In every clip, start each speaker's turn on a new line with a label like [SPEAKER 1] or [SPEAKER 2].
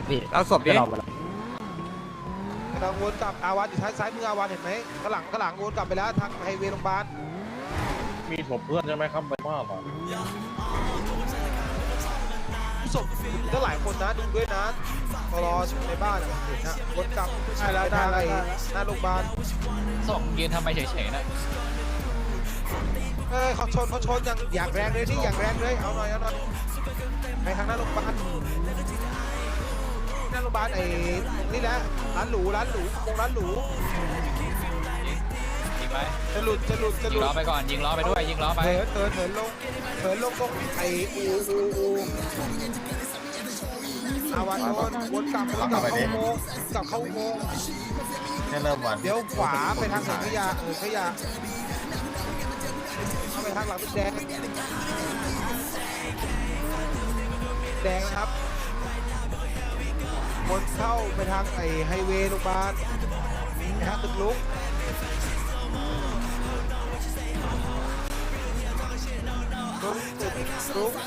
[SPEAKER 1] พี่
[SPEAKER 2] เอาศพดิ
[SPEAKER 1] จะรอไปแล้ว
[SPEAKER 3] กำลังวนกลับอาวันอยู่ซ้ายมืออาวันเห็นไหมข้างหลังวนกลับไปแล้วทางไฮเวย์โรงพยาบาล
[SPEAKER 4] มีศพเพื่อนใช่ไหมครับไปมากหรอ
[SPEAKER 3] ศพก็หลายคนนะดูด้วยนะรอในบ้านเห็นนะวนกลับใช่แล้วทางไอ้หน้าโรงพยาบาล
[SPEAKER 5] ส่งยืนทำไมเฉยๆนะ
[SPEAKER 3] เขาชนอย่างแรงเลยนี่อย่างแรงเลยเอาหน่อยไปทางหน้าโรงพยาบาลหน้าโรงพยาบาลไอ้นี่แหละร้านหรูร้านหรู
[SPEAKER 5] ยิงไหม
[SPEAKER 3] จะหลุด
[SPEAKER 5] ยิงล้อไปก่อนยิงล้อไปด้วยยิงล้อไป
[SPEAKER 3] เถินลงตรงไอ้อูอาวันวนกลับเข้าอุโมงค์
[SPEAKER 4] เนี่ยเริ่มวัน
[SPEAKER 3] เดี๋ยวขวาไปทางถังขยะขยะเข้าไปทางหลังเป็นแดงนะครับวนเข้าไปทางไอ้ไฮเวย์โรงพยาบาลนะฮะตึกลุกลุก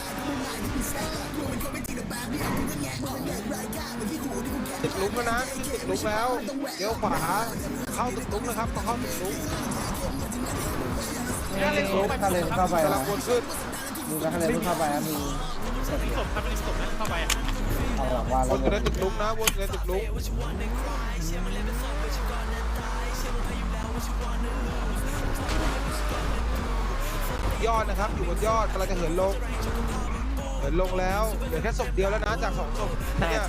[SPEAKER 3] ตึกลุกแล้วนะตึกลุกแล้วเดี๋ยวขวาเข้าตึกลุกนะครับต้องเข้าตึกลุก
[SPEAKER 1] ถ้าเลนเข้าไป
[SPEAKER 3] กำ
[SPEAKER 1] นะ
[SPEAKER 3] ลังวนขึ้น
[SPEAKER 1] มีถ้าเลนเข้าไปนะมีศพครับมีศพเข้าไปเอาหลังว่า
[SPEAKER 3] ว
[SPEAKER 1] แล้ว
[SPEAKER 3] นอยู่ในตึกลุกนะวนอยู่ในตึกลุกยอดนะครับอยู่บนยอดกำลังจะเหินลงแล้วเหลือแค่ศพเดียวแล้วนะจาก2ศพเนี่ย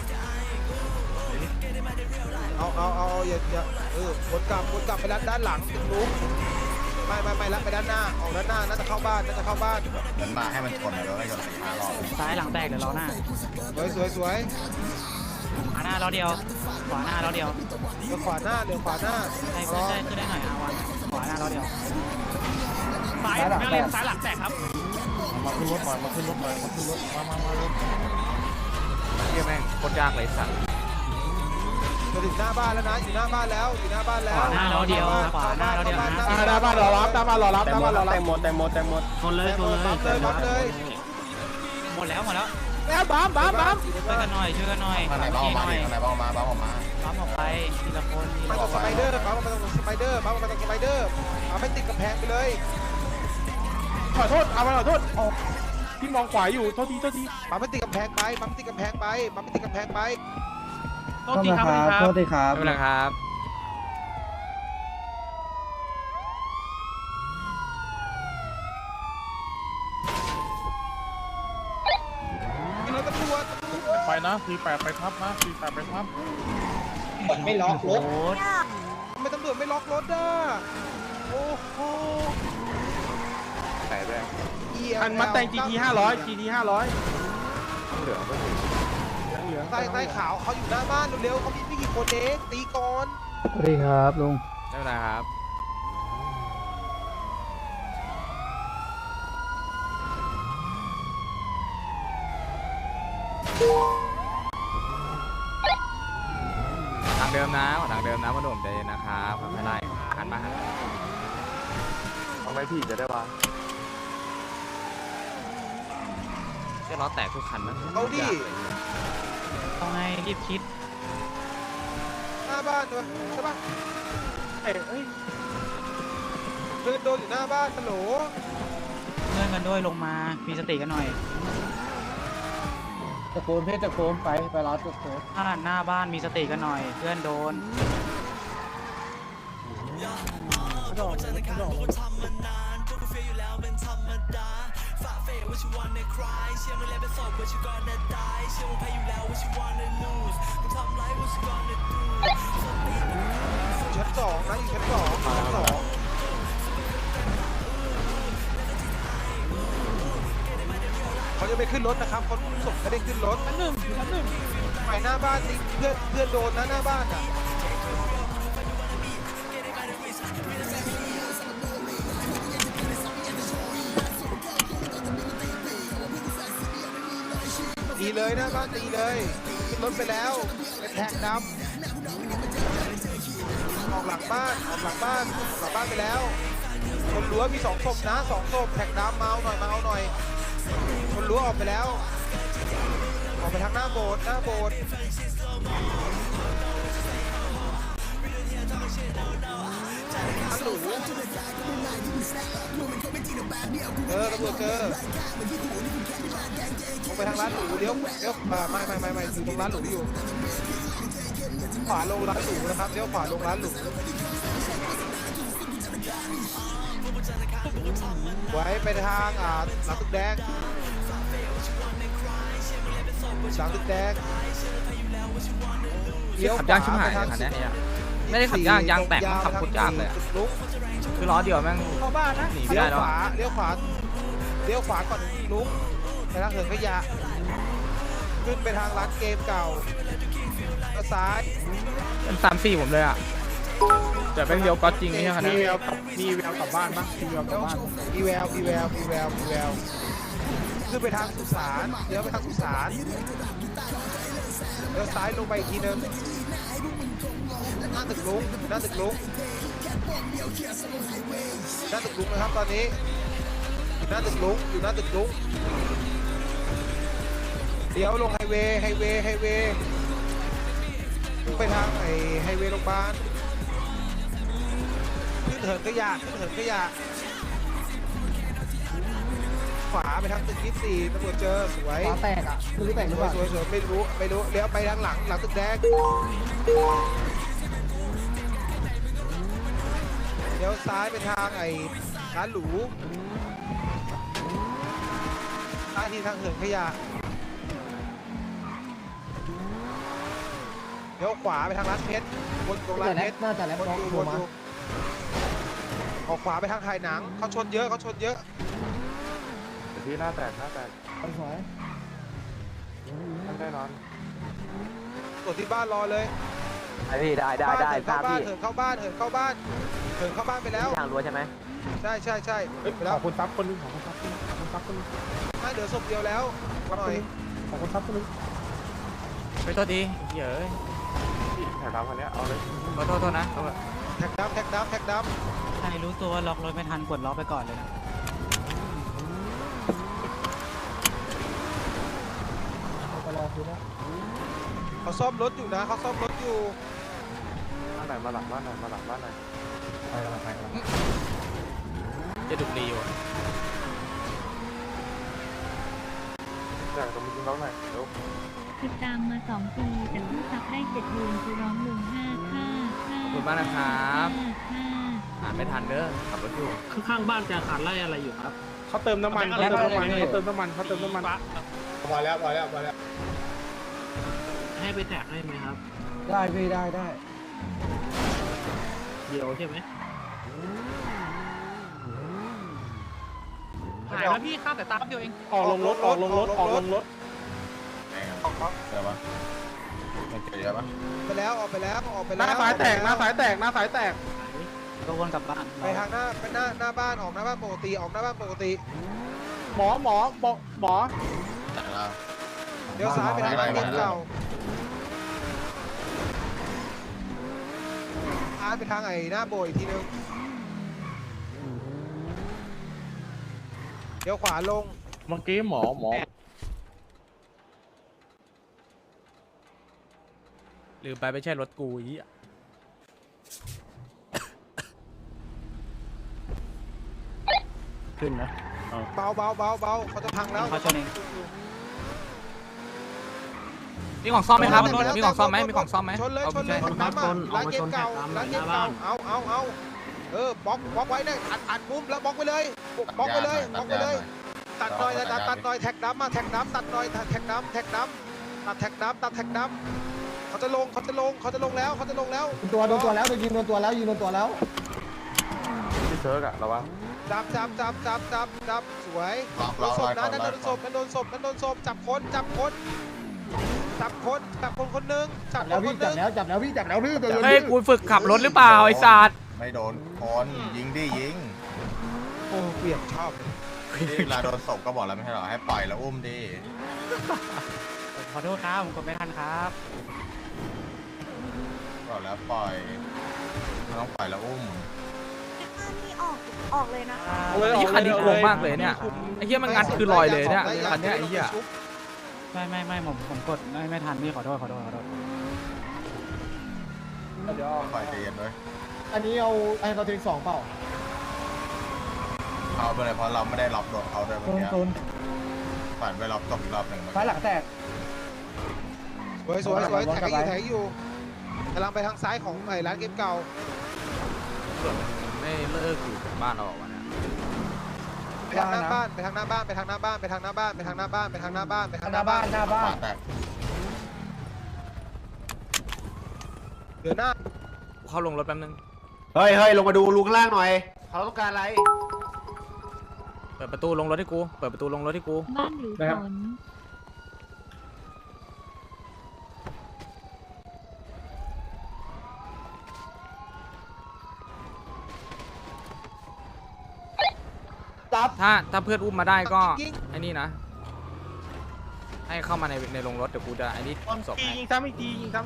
[SPEAKER 3] เอาอย่าวนกลับไปด้านหลังตึกลุกไม่แล้วไปด้านหน้าออกด้านหน้าน่าจะเข้าบ้าน
[SPEAKER 4] เหมือนมาให้มันชนแล้วก็ชนไปช้ารอบ
[SPEAKER 6] ซ้ายหลังแตกเดี๋ยวล้อหน้า
[SPEAKER 3] สวย
[SPEAKER 6] ขวาหน้าล้อเดียว ขวาหน้าล้อเดียว
[SPEAKER 3] เดี๋ยวขวาหน้า
[SPEAKER 6] ใช่ขึ้นได้หน่อยอาวันขวาหน้าล้อเดียว
[SPEAKER 1] ซ้ายหลังแตก
[SPEAKER 6] ซ้ายหลังแตกครับ
[SPEAKER 4] มาขึ้นรถมาขึ้นรถมาเลย
[SPEAKER 2] เฮียแม่งโคตรยากเลยสัตว์
[SPEAKER 3] จะถึงหน้าบ้านแล้วนะอยู่หน้าบ้านแล้ว
[SPEAKER 6] ขวาหน้าล้อเดียวขวาหน้าล้อเดียวนะ
[SPEAKER 1] หน้าบ้านรอรับแต่หมด
[SPEAKER 6] ชนเลย
[SPEAKER 3] ปั๊มเลย
[SPEAKER 6] หมดแล้ว
[SPEAKER 1] แล้วบัม
[SPEAKER 6] ช่วยกันหน่อย
[SPEAKER 4] มาไหนบ้างออกมาไหนบ้างออกมาบ้างออกมา
[SPEAKER 6] ปั๊มออกไปทีละคน
[SPEAKER 3] มาตรงสไปเดอร์ปั๊มมาตรงสไปเดอร์เอาไม่ติดกำแพงไปเลย
[SPEAKER 1] ขอโทษเอามาขอโทษพี่มองขวาอยู่โทษที
[SPEAKER 3] ปั๊มไม่ติดกำแพงไป
[SPEAKER 1] โทษทีครับ
[SPEAKER 2] ไม่เป็นไรครับ
[SPEAKER 3] รถตำรวจ
[SPEAKER 4] ไปนะ48ไปทับนะ48ไปทับ
[SPEAKER 1] ไม่ล็อกรถ
[SPEAKER 6] โอ้ย
[SPEAKER 3] ทำไมตำรวจไม่ล็อกรถอ่ะโอ้โห
[SPEAKER 2] แต่แรก
[SPEAKER 1] อันมาแต่ง GT 500
[SPEAKER 2] เหลือก็ถึง
[SPEAKER 3] ใต้ขาวเขาอยู่หน้าบ้านเร็วๆเขามีไม่กี่คนเองตีก่อน
[SPEAKER 1] สวัสดีครับลุง
[SPEAKER 2] ไม่เป็นไรครับทางเดิมนะทางเดิมนะพ่อหนุ่มใจเย็นนะครับไม่ไล่หันมาทำไมพี่จะได้วะจะล้อแตกทุกคันนะ
[SPEAKER 3] เอาดิ
[SPEAKER 6] เอาไงรีบคิด
[SPEAKER 3] หน้าบ้านด้วยใช่ปะเฮ้ยเดินโดนอยู่หน้าบ้านฮัลโหล
[SPEAKER 6] เงื่อนกันด้วยลงมา มีสติกันหน่อย
[SPEAKER 1] ตะโกนเพชรตะโกนไปรับตะโกน
[SPEAKER 6] หน้าบ้านมีสติกันหน่อย เพื่อนโดน
[SPEAKER 3] ชั้น2นะอยู่ชั้น2เขาจะไปขึ้นรถนะครับคนส่งไม่ได้ขึ้นรถชั้นหนึ่งไปหน้าบ้านนี่เพื่อนโดนนะหน้าบ้านอ่ะตีเลยหน้าบ้านตีเลยขึ้นรถไปแล้วเป็นแท็กดำออกหลังบ้านไปแล้วคนรั้วมี2ศพนะ2ศพแท็กดำมาเอาหน่อยคนรั้วออกไปแล้วออกไปทางหน้าโบสถ์หน้าโบสถ์ร้านหรูตำรวจเจอลงไปทางร้านหรูเลี้ยวไม่อยู่ตรงร้านหรูอยู่ขวาลงร้านหรูนะครับเลี้ยวขวาลงร้านหรูไว้ไปทางหลังตึกแดงหลังตึกแดงเลี้ยว
[SPEAKER 2] ขับยากชิบหายเลยคันนี้เนี่ยไม่ได้ขับยากยางแตกมันขับโคตรยากเลยอะคือล้อเดียวแม่ง
[SPEAKER 1] เข้าบ้านนะ
[SPEAKER 2] หนีไม่
[SPEAKER 3] เลี้ย
[SPEAKER 2] ได้
[SPEAKER 3] ว
[SPEAKER 2] แล้ว
[SPEAKER 3] ขวาเลี้ยวขวาก่อนลุกไปทางเหินขยะขึ้นไปทางร้านเกมเก่าแล้วซ้าย
[SPEAKER 2] เป็น3-4ผมเลยอ่ะแต่เป็นเดียวก็จริงนี่คัน
[SPEAKER 1] มี
[SPEAKER 2] นี้
[SPEAKER 1] แววกลับบ้านปะมีแววกลับบ้าน
[SPEAKER 3] มีแววขึ้นไปทางสุสานเลี้ยวไปทางสุสานเลี้ยวซ้ายลงไปอีกทีนึงหน้าตึกลุกนะครับตอนนี้อยู่หน้าตึกลุกเลี้ยวลงไฮเวย์ไปทางไฮเวย์โรงพยาบาลขึ้นเหินขยะขวาไปทางตึก24ตำรวจเจอสวย
[SPEAKER 1] ฟ้าแตกอ่ะคือแตกหรือเปล่า
[SPEAKER 3] สวยไม่รู้เลี้ยวไปทางหลังตึกแดงเลี้ยวซ้ายไปทางร้านหรูซ้ายที่ทางเหินขยะเลี้ยวขวาไปทางร้านเพชรวนตรงร้านเพชร
[SPEAKER 1] น่าจะแล้ว
[SPEAKER 3] วน
[SPEAKER 1] น้อง
[SPEAKER 3] อยู่
[SPEAKER 1] โทรมา
[SPEAKER 3] ออกขวาไปทางถ่ายหนังเขาชนเยอะ
[SPEAKER 2] ที่หน้าแตก
[SPEAKER 1] ไปสวย
[SPEAKER 2] มันได้นอน
[SPEAKER 3] ตรวจที่บ้านรอเลย
[SPEAKER 7] ไอพี่ได้
[SPEAKER 3] เหิน
[SPEAKER 7] ทรา
[SPEAKER 3] เข้า
[SPEAKER 7] บ
[SPEAKER 3] บ้าน
[SPEAKER 7] พี่
[SPEAKER 3] เหินเข้าบ้านไปแล้ว
[SPEAKER 7] ทางรั้วใช่ไหม
[SPEAKER 3] ใช่ไป
[SPEAKER 1] ข
[SPEAKER 3] แล้ว
[SPEAKER 1] อบคุณซับคนนึงขอบคุณซับคนนึง
[SPEAKER 3] ไม่เหลือศพเดียวแล้วมาหน่อย
[SPEAKER 1] ขอบคุณซับคนนึง
[SPEAKER 2] ไปโทษดีเหี้ยเอ้ยถ่ายตามคันนี้เอาเลยโทษนะ
[SPEAKER 3] แท็กดำ
[SPEAKER 6] ใครรู้ตัวล็อกรถไม่ทันกดล็อกไปก่อนเลยนะ
[SPEAKER 1] ไปรอคือนะ
[SPEAKER 3] เขาซ่อมรถอยู่นะเขาซ่อมรถอยู่
[SPEAKER 2] บ้านไหนมาหลังบ้านไหน
[SPEAKER 1] ไปแล้วไปแล้ว
[SPEAKER 2] จะดุรีอยู่แต่ตรงนี้ร้องไหนเดี๋ยว
[SPEAKER 8] ติดตามมา 2 ปีแต่เพิ่งซับได้ 7 เดือนคือร้องลุง5ค่า
[SPEAKER 2] ขอบคุณมากนะครับ
[SPEAKER 8] 5
[SPEAKER 2] อ่านไม่ทันเด้อขับรถอยู่
[SPEAKER 9] ข้างๆบ้านจะขาดไล่อะไรอยู่ครับ
[SPEAKER 1] เขาเติมน้ำมันเขาเติมน้ำมัน
[SPEAKER 4] พอแล้ว
[SPEAKER 9] ให้ไปแตกให้ไหมครับ
[SPEAKER 1] ได้พี่ได้
[SPEAKER 9] เดียวใช่ไหมหายแล้วพี่ข้ามแต่ตามเดียวเอง
[SPEAKER 1] ออกลงรถ
[SPEAKER 4] เดี๋ยวปะมันเจอเยอะปะ
[SPEAKER 3] ไปแล้วออกไปแล้ว
[SPEAKER 1] หน้าสายแตก
[SPEAKER 6] ก็วนกลับบ้าน
[SPEAKER 3] ไปทางหน้าบ้านออกหน้าบ้านปกติ
[SPEAKER 1] หมอ
[SPEAKER 4] แต่ละ
[SPEAKER 3] เดี๋ยวซ้ายไปทางร้านเกมเก่าอาร์ตไปทางหน้าโบยอีกทีนึงเดี๋ยวขวาลง
[SPEAKER 4] เมื่อกี้หมอ
[SPEAKER 2] ลืมไปไม่ใช่รถกูอี
[SPEAKER 1] ขึ้นนะ
[SPEAKER 3] เบาเขาจะพังแล้ว
[SPEAKER 6] เขาชนเอง
[SPEAKER 2] มีของซ่อมไหมครับมีของซ่อมไหม
[SPEAKER 3] ชนเลย
[SPEAKER 9] เอามาชน
[SPEAKER 3] ร้านเกมเก่า
[SPEAKER 9] เอามาชน
[SPEAKER 3] ร้านเกม
[SPEAKER 9] หน้า
[SPEAKER 3] เก่า
[SPEAKER 9] บ้าน
[SPEAKER 3] เอาบล็อกไว้เนี่ยอัดมุมแล้วบล็อกไปเลยตัดหน่อยตัดหน่อยแท็กดำตัดแท็กดำเขาจะลงแล้ว
[SPEAKER 1] ตัวโดนตัวแล้วยิงโดนตัวแล้ว
[SPEAKER 2] พี่เซิร์กอะระวัง
[SPEAKER 3] จับสวยโดนศพนะนั่นโดนศพจับคนคนนึง
[SPEAKER 1] จับแล้วพี่ตัว
[SPEAKER 2] เฮ้ยกูฝึกขับรถหรือเปล่าไอ้สัตว์
[SPEAKER 4] ไม่โดนคนยิงยิง
[SPEAKER 3] โอ้เปลี่ยนชอบ
[SPEAKER 4] ที่เวลาโดนศพก็บอกแล้วไม่ใช่หรอให้ปล่อยแล้วอุ้มดิ
[SPEAKER 6] ขอโทษครับผมกดไม่ทันครับ
[SPEAKER 4] บอกแล้วปล่อยต้องปล่อยแล้วอุ้ม
[SPEAKER 8] นี่ออกเลยนะคะ
[SPEAKER 2] ไอ้คันนี้โกงมากเลยเนี่ยไอ้เหี้ยมันงัดคือลอยเลยเนี่ยคันเนี้ยไอ้เหี้ย
[SPEAKER 6] ไม่ผมกดไม่ทันพี่ขอโทษ
[SPEAKER 4] เดี๋ยว
[SPEAKER 7] คอยใจเย็นด้วย
[SPEAKER 4] อันนี้เอาไอ้เราทิ้ง2เปล่า
[SPEAKER 7] เอาไปเลยเพราะเราไม่ได้ล็อกโดนเขาด้วยเมื่อกี้
[SPEAKER 4] ตูน
[SPEAKER 7] ฝันไปล็อกตกอีกรอบหนึ่งเมื่อ
[SPEAKER 4] ซ้าย
[SPEAKER 7] กี้
[SPEAKER 4] หลังแตก
[SPEAKER 3] สวยแท็กอยู่กำลังไปทางซ้ายของไอ้ร้านเกมเก่า
[SPEAKER 2] ไม่เลิกอยู่บ้านเราวันนี้
[SPEAKER 3] ไปทางหน้าบ้านไปทางหน้าบ้านไปทางหน้าบ้านไปทางหน้าบ้านไปทางหน้าบ้านไปทางหน้าบ้านไปทางหน้าบ้าน
[SPEAKER 4] หน้าบ้า
[SPEAKER 7] ขวาน แตก
[SPEAKER 3] เดือหน้า
[SPEAKER 2] เข้าลงรถแป๊บนึง
[SPEAKER 10] เฮ้ยลงมาดูลุงข้างล่างหน่อยเขาต้องการอะไร
[SPEAKER 2] เปิดประตูลงรถให้กูเปิดประตูลงรถให้กู
[SPEAKER 8] บ้านหรือฝน
[SPEAKER 2] ถ้าเพื่อนอุ้มมาได้ก็ไอ้นี่นะ ให้เข้ามาในโรงรถเดี๋ยวกูจะไอ้นี่ศพให้
[SPEAKER 9] ยิงซ้ำอีกทียิงซ้ำ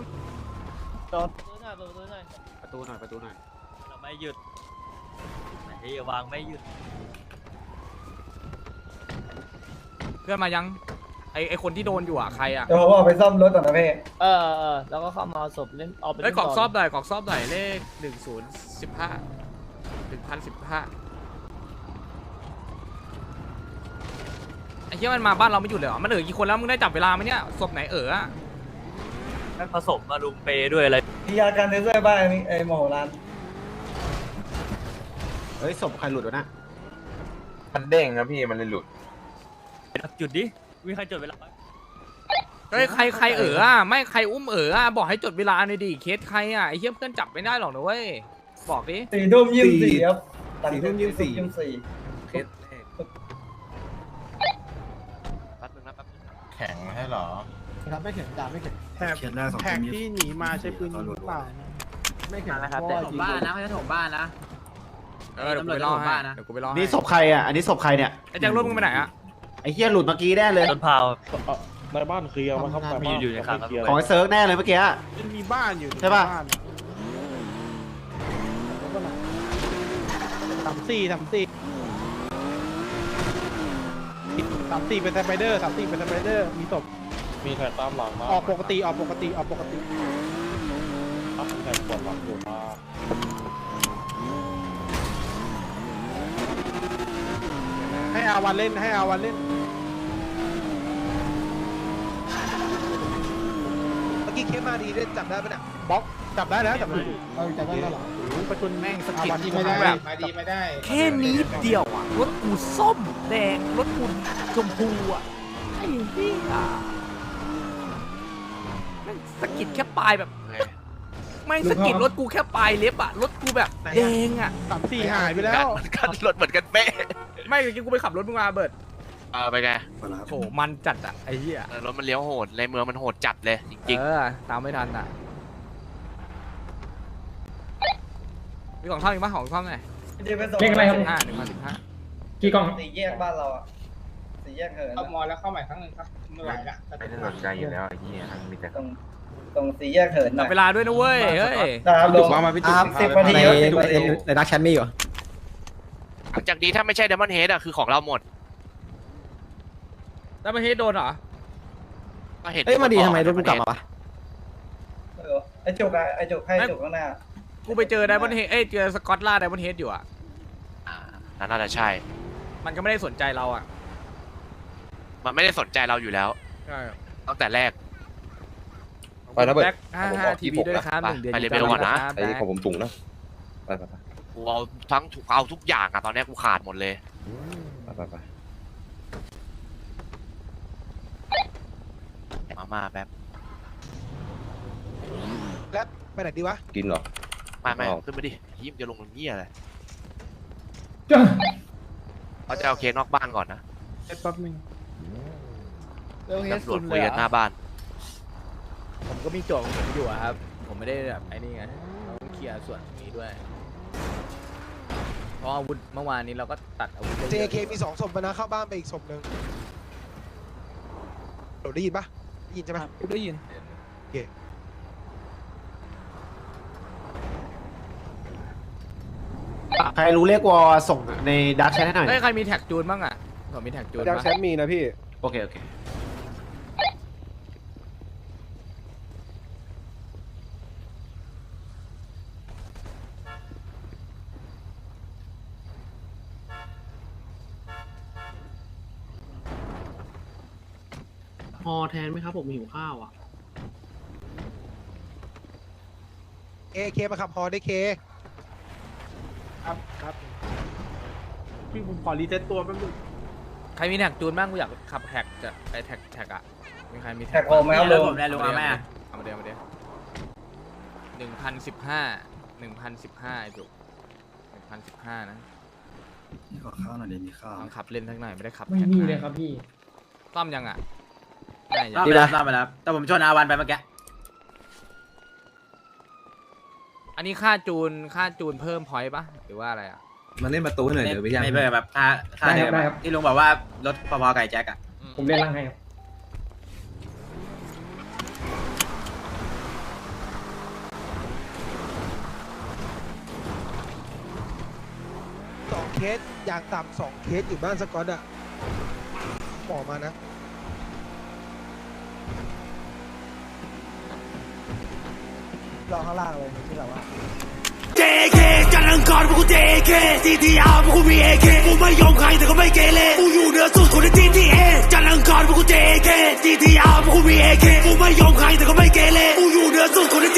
[SPEAKER 10] ประตูหน่อย
[SPEAKER 6] เราไม่หยุดไม่วางไม่หยุด
[SPEAKER 2] เพื่อนมายังไอคนที่โดนอยู่อ่ะใครอ่ะ
[SPEAKER 4] เดี๋ยวผมเอาไปซ่อมรถก่อนนะพี่
[SPEAKER 1] แล้วก็เข้ามาเอาศพเล่นเอาไป
[SPEAKER 2] เฮ้ยกรอกซอบหน่อยกรอกซอบหน่อยเลข1015 ไอ้เหี้ยมันมาบ้านเราไม่หยุดเลยเหรอมันกี่คนแล้วมึงได้จับเวลาไหมเนี่ยศพไหนอะ
[SPEAKER 6] ผสมมาลุมเปด้วยอะไร
[SPEAKER 4] พี่ยาการเทเซอร์บ้านนี่ไอ้หมอร้าน
[SPEAKER 10] เฮ้ยศพใครหลุดวะนะ
[SPEAKER 7] มันเด้งนะพี่มันเลยหลุด
[SPEAKER 6] จุดดิมีใครจดเวลา
[SPEAKER 2] เฮ้ยใครไม่ใครอุ้มบอกให้จดเวลาหน่อยดิเคสใครอ่ะไอ้เหี้ยเพื่อนจับไม่ได้หรอกนะเว้ยบอกดิ
[SPEAKER 4] 4 ทุ่ม 24ครับ4 ทุ่ม 24
[SPEAKER 2] เคส
[SPEAKER 7] แข็งให้เหรอ
[SPEAKER 4] ครับไม่แข็งจ่าไม่แข็ง
[SPEAKER 9] แท็กที่หนีมาใช้ปืนยิงหรือเปล่า
[SPEAKER 4] ไม่แข็ง
[SPEAKER 6] นะครับแต่ผมบ้านนะเขาจะถมบ้านนะ
[SPEAKER 2] เดี๋ยวกูไปรอให้เดี๋ยวกูไปรอให้
[SPEAKER 10] นี่ศพใครอ่ะอันนี้ศพใครเนี่ย
[SPEAKER 2] ไอ้แจ็ครถมึงไปไหนอ่ะ
[SPEAKER 10] ไอ้เหี้ยหลุดเมื่อกี้แน่เลย
[SPEAKER 6] ต้นพาว
[SPEAKER 4] ในบ้านเคลียร์มาครับ
[SPEAKER 6] มีอยู่ในคางครับ
[SPEAKER 10] ของไอ้เซิร์กแน่เลยเมื่อกี้
[SPEAKER 9] มันมีบ้านอยู่
[SPEAKER 10] ใช่ปะ
[SPEAKER 9] 34เป็นสไปเดอร์34เป็นสไปเดอร์มีศพ
[SPEAKER 4] มีแท็กตามหลังมา
[SPEAKER 9] ออกปกติ
[SPEAKER 4] แท็กปวดหลังอยู่มา
[SPEAKER 9] ให้อาวันเล่น
[SPEAKER 3] เมื่อกี้เคสมาดีเล่นจับได้ปะเนี่ย
[SPEAKER 9] บล็อกจับได้แล้วจับได้
[SPEAKER 4] เอาจับได้แล้วเหรอ
[SPEAKER 2] ประชุนแม่งสกิด
[SPEAKER 9] ไม่ได้
[SPEAKER 2] แบบ
[SPEAKER 9] ไม่ได้
[SPEAKER 2] แค่นี้เดียวอ่ะรถกูส้มแดงรถกูชมพูอ่ะไอ้เหี้ยแม่งสกิดแค่ปลายแบบแม่งสกิดรถกูแค่ปลายเล็บอ่ะรถกูแบบแดงอ่ะ
[SPEAKER 9] 34หายไปแล้ว
[SPEAKER 5] รถเหมือนกันเป๊ะ
[SPEAKER 2] ไม่เมื่อกี้กูไปขับรถมึงมาเบิร์ด
[SPEAKER 5] ไปไง
[SPEAKER 2] โหมันจัดอ่ะไอ้เหี้ย
[SPEAKER 5] รถมันเลี้ยวโหดในเมืองมันโหดจัดเลยจริง
[SPEAKER 2] ตามไม่ทันอ่ะมีของท่อมอีกปะของท่อมหน่อย
[SPEAKER 4] เดี๋ยวไปส่ง
[SPEAKER 2] 1,15
[SPEAKER 4] กี่กล่อง4 แยกบ้านเราอ่ะ4 แยกเหิน
[SPEAKER 9] เอามอแล้วเข้าใหม่ครั้งหนึ่งครับไม่ไหวละ
[SPEAKER 7] ไม่ได้สนใจอยู่แล้วไอ้เหี้ยมีแต่
[SPEAKER 4] ตรง4 แยกเหินหน่
[SPEAKER 2] จั
[SPEAKER 4] อบ ย
[SPEAKER 2] เวลาด้วยนะเว้ยเฮ้ย
[SPEAKER 4] ครับลงมาพี่ติ๊ก10 นาทีครับ10 นาที
[SPEAKER 10] ในดักแชทมีอยู่
[SPEAKER 5] ๆหลังจากนี้ถ้าไม่ใช่เดมอนเฮดอะคือของเราหมด
[SPEAKER 2] แล้วมาเฮดโดนเหรอ
[SPEAKER 5] ก็เห็น
[SPEAKER 10] เฮ้ยมาดีทำไมรถกูกลับมาวะ
[SPEAKER 4] ไอ้จุกให้จุกข้างหน้า
[SPEAKER 2] กูไปเจอไดมอนเฮดเจอสกอตล่าไดมอนเฮดอยู่อ่ะ
[SPEAKER 5] น่าจะใช่
[SPEAKER 2] มันก็ไม่ได้สนใจเราอ่ะ
[SPEAKER 5] มันไม่ได้สนใจเราอยู่แล้ว
[SPEAKER 2] ใช่
[SPEAKER 5] ตั้งแต่แรก
[SPEAKER 7] ไปนะเบิร์ด
[SPEAKER 2] แบ็ค55 ทีวีด้วยนะครับ
[SPEAKER 5] ไป
[SPEAKER 2] 1 เดือน
[SPEAKER 5] ไปเลเวลก่อนนะ
[SPEAKER 7] ไอ้ของผมสูงนะไป
[SPEAKER 5] กูเอาทุกอย่างอะตอนนี้กูขาดหมดเลย มาแป๊บ
[SPEAKER 3] แล้วไปไหนดีวะ
[SPEAKER 7] กินเหรอ
[SPEAKER 5] ไม่ขึ้นมาดิยิ้มจะลงตรงนี้อะไรเขาจะเอาเคนอกบ้านก่อนนะ
[SPEAKER 9] แป๊บนึง
[SPEAKER 2] เรื่องเฮด
[SPEAKER 5] ตำรว
[SPEAKER 2] ซุ
[SPEAKER 5] จ
[SPEAKER 2] น
[SPEAKER 5] คุ
[SPEAKER 2] เลย ย
[SPEAKER 5] กันหน้าบ้าน
[SPEAKER 2] ผมก็มีโจทย์ของผมอยู่อะครับ ผมไม่ได้แบบไอ้นี่ไงเราต้องเคลียร์ส่วนนี้ด้วย เพราะอาวุธเมื่อวานนี้เราก็ตัดอาวุธไปเยอะ
[SPEAKER 3] JK มี2ศพไปนะเข้าบ้านไปอีกศพหนึ่งเราได้ยินปะได้ยินใช่ไหม
[SPEAKER 9] ได้ยิน
[SPEAKER 10] ใครรู้เลขวอส่งในดักแชทให้หน่อย
[SPEAKER 2] เฮ้ยใครมีแท็กจูนบ้างอ่ะผมมีแท็กจูน
[SPEAKER 4] ดัก
[SPEAKER 2] ปะ
[SPEAKER 4] แชทมีนะพี่
[SPEAKER 10] โอเค
[SPEAKER 6] อแทนไหมครับผมหิวข้าวอ่ะ
[SPEAKER 3] เคมาขับฮอได้เค
[SPEAKER 9] ครับครับพี่ผมขอรีเซ็ตตัวแป๊บนึง
[SPEAKER 2] ใครมีแท็กจูนบ้างกูอยากขับแท็กจะไอแท็กอะมีใครมี
[SPEAKER 1] แท็กโอไหมครับลุง
[SPEAKER 6] ผมได้ลุงเอาแม่
[SPEAKER 2] เอามาเดียว1,015ไอ้จุก1,015นะนี่ขอข้าวหน่อยเดี๋ยวมีข้าวลองขับเล่นสักหน่อยไม่ได้ขับ
[SPEAKER 1] ไม่มีเลยครับพี่
[SPEAKER 2] ต้อมยังอะไม่ยัง
[SPEAKER 6] ไปแล้วแต่ผมชนอาวันไปเมื่อกี้
[SPEAKER 2] อันนี้ค่าจูนเพิ่มพอยต์ปะหรือว่าอะไรอะ
[SPEAKER 7] มาเล่นประตูหน่อยเดี๋ยวไปยัง
[SPEAKER 6] ไม่เบอร์แบบค่าเดิมที่ลุงบอกว่ารถพอๆไก่แจ็คอะ
[SPEAKER 1] ผมเล่นล่างให้ครับ
[SPEAKER 3] 2 เคสอย่างต่ำ2 เคสอยู่บ้านสกอตอะบอกมานะ
[SPEAKER 1] รอข้างล่างเลยที่เราว่า
[SPEAKER 11] JK จันทร์อังคารพวกกู JK TTR พวกกูมี AK กูไม่ยอมใครแต่ก็ไม่เกเรกูอยู่เหนือสุดคนใน TTA จันทร์อังคารพวกกู JK TTR พวกกูมี AK กูไม่ยอมใครแต่ก็ไม่เกเรกูอยู่เหนือสุดคนใน